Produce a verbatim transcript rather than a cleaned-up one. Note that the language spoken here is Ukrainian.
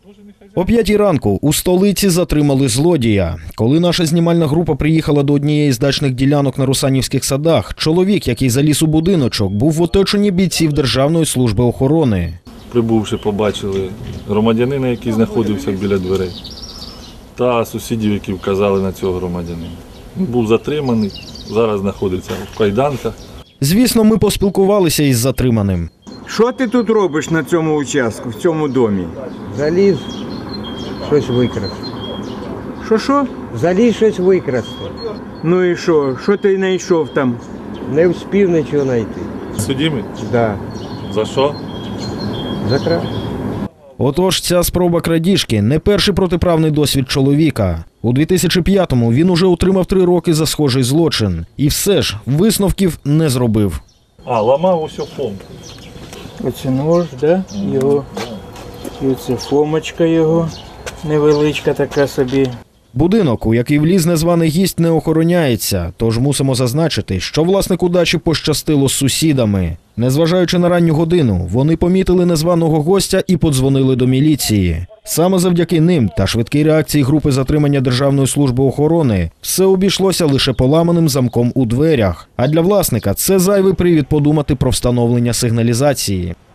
О п'ятій ранку у столиці затримали злодія. Коли наша знімальна група приїхала до однієї з дачних ділянок на Русанівських садах, чоловік, який заліз у будиночок, був в оточенні бійців Державної служби охорони. Прибувши, побачили громадянина, який знаходився біля дверей, та сусідів, які вказали на цього громадянина. Він був затриманий, зараз знаходиться в кайданках. Звісно, ми поспілкувалися із затриманим. Що ти тут робиш на цьому участку, в цьому домі? Заліз, щось викрасти. Що-що? Заліз щось викрасти. Ну і що? Що ти знайшов там? Не встиг нічого знайти. Судімий? Да. За що? За крав. Отож, ця спроба крадіжки – не перший протиправний досвід чоловіка. У дві тисячі п'ятому він уже отримав три роки за схожий злочин. І все ж висновків не зробив. А, ламав усю фомку. Оце нож, да? Його. І оце фомочка його. Невеличка така собі. Будинок, у який вліз незваний гість, не охороняється, тож мусимо зазначити, що власнику дачі пощастило з сусідами. Незважаючи на ранню годину, вони помітили незваного гостя і подзвонили до міліції. Саме завдяки ним та швидкій реакції групи затримання Державної служби охорони все обійшлося лише поламаним замком у дверях. А для власника це зайвий привід подумати про встановлення сигналізації.